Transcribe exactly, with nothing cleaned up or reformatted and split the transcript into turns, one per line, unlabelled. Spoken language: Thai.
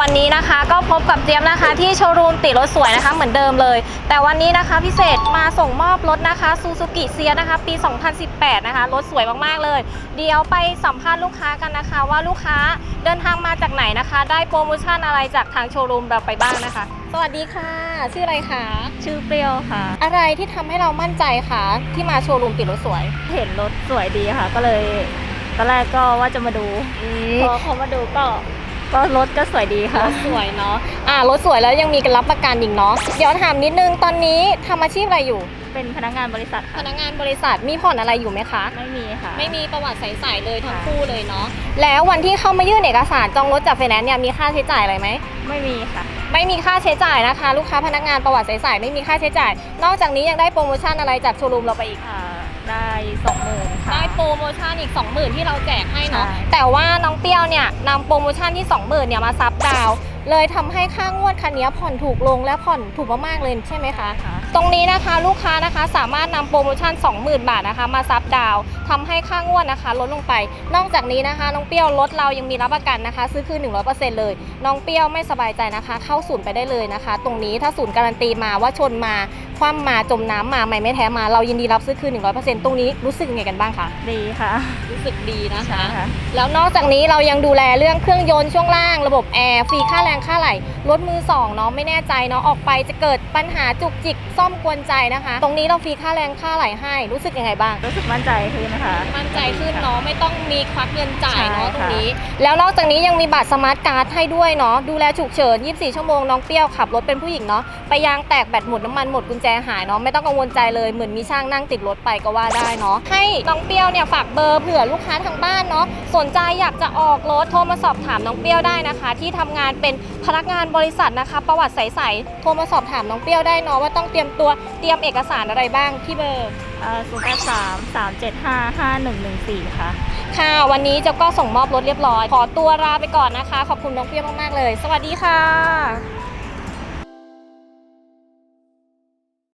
วันนี้นะคะก็พบกับเจี๊ยบนะคะที่โชว์รูมติดรถสวยนะคะเหมือนเดิมเลยแต่วันนี้นะคะพิเศษมาส่งมอบรถนะคะซูซูกิเซียนะคะปีสองพันสิบแปดนะคะรถสวยมากๆเลยเดี๋ยวไปสัมภาษณ์ลูกค้ากันนะคะว่าลูกค้าเดินทางมาจากไหนนะคะได้โปรโมชั่นอะไรจากทางโชว์รูมเราไปบ้างนะคะสวัสดีค่ะชื่ออะไรคะ
ชื่อเปรี้ยวค่ะ
อะไรที่ทำให้เรามั่นใจคะที่มาโชว์รูมติดรถสวย
เห็นรถสวยดีค่ะ ก็เลยตอนแรกก็ว่าจะมาดูพอเขามาดูก็ก็รถก็สวยดีค่ะ
รถสวยเนาะอ่ารถสวยแล้วยังมีการรับประกันอีกเนาะเดี๋ยวถามนิดนึงตอนนี้ทำอาชีพอะไรอยู่
เป็นพนักงานบริษัท
พ
ค่ะ
นักงานบริษัทมีผ่อนอะไรอยู่ไหมคะ
ไม่มีค่ะ
ไม่มีประวัติใสๆเลยทั้งคู่เลยเนาะแล้ววันที่เข้ามายื่นเอกสารจองรถจากไฟแนนซ์เนี่ยมีค่าใช้จ่ายอะไรไหม
ไม่มีค่ะ
ไม่มีค่าใช้จ่ายนะคะลูกค้าพนักงานประวัติใสๆไม่มีค่าใช้จ่ายนอกจากนี้ยังได้โปรโมชั่นอะไรจากโชว์รูมเราไปอีก
ค่ะได้สองหมื่นค่ะ
ได้โปรโมชั่นอีก สองหมื่น ที่เราแจกให้เนาะแต่ว่าน้องเปรี้ยวเนี่ยนำโปรโมชั่นที่ สองหมื่น เนี่ยมาซับดาวเลยทำให้ค่างวดคันนี้ผ่อนถูกลงและผ่อนถูกมากๆเลยใช่ไหมคะตรงนี้นะคะลูกค้านะคะสามารถนำโปรโมชั่น สองหมื่น บาทนะคะมาซับดาวทำให้ค่างวดนะคะลดลงไปนอกจากนี้นะคะน้องเปรี้ยวรถเรายังมีรับประกันนะคะซื้อคืน หนึ่งร้อยเปอร์เซ็นต์ เลยน้องเปรี้ยวไม่สบายใจนะคะเข้าศูนย์ไปได้เลยนะคะตรงนี้ถ้าศูนย์การันตีมาว่าชนมาคว่ำมาจมน้ำมาไม่ไม่แท้มาเรายินดีรับซื้อคืน หนึ่งร้อยเปอร์เซ็นต์ ตรงนี้รู้สึกยังไงกันบ้างคะ
ดีค่ะ
รู้สึกดีนะคะแล้วนอกจากนี้เรายังดูแลเรื่องเครื่องยนต์ช่วงล่างระบบแอร์ฟรีค่าแรงค่าไหลรถมือสองเนาะไม่แน่ใจเนาะออกไปจะเกิดปัญหาจุกจิกซ่อมกวนใจนะคะตรงนี้เราฟรีค่าแรงค่าไหลให้รู้สึกยังไงบ้าง
รู้สึกมั่นใจขึ้นนะคะ
มั่นใจขึ้นเนาะไม่ต้องมีควักเงินจ่ายเนาะตรงนี้แล้วนอกจากนี้ยังมีบัตรสมาร์ทการ์ดให้ด้วยเนาะดูแลฉุกเฉินยี่สิบสี่ชั่วโมงน้องเปรี้ยวขับรถเป็นผู้หญิงเนาะไปยางแตกแบตหมดน้ำมันหมดกุญแจหายเนาะไม่ต้องกังวลใจเลยเหมือนมีช่างนั่งติดรถไปก็ว่าได้เนาะให้น้องเปรี้ยวเนี่ยฝากเบอร์เผื่อลูกค้าทางบ้านเนาะสนใจอยากจะออกรถโทรมาสอบถามน้องเปรี้ยวได้นะคะที่ทำงานเป็นพนักงานบริษัทนะคะประวัติใสๆโทรมาสอบถามน้องเปรี้ยวได้เนาะว่าต้องเตรียมตัวเตรียมเอกสารอะไรบ้างที่เบอร์
ศูนย์ แปด สาม สาม เจ็ด ห้า ห้า หนึ่ง หนึ่ง สี่ค่ะ
ค่ะวันนี้เจ้าก็ส่งมอบรถเรียบร้อยขอตัวลาไปก่อนนะคะขอบคุณน้องเปรี้ยวมากๆเลยสวัสดีค่ะ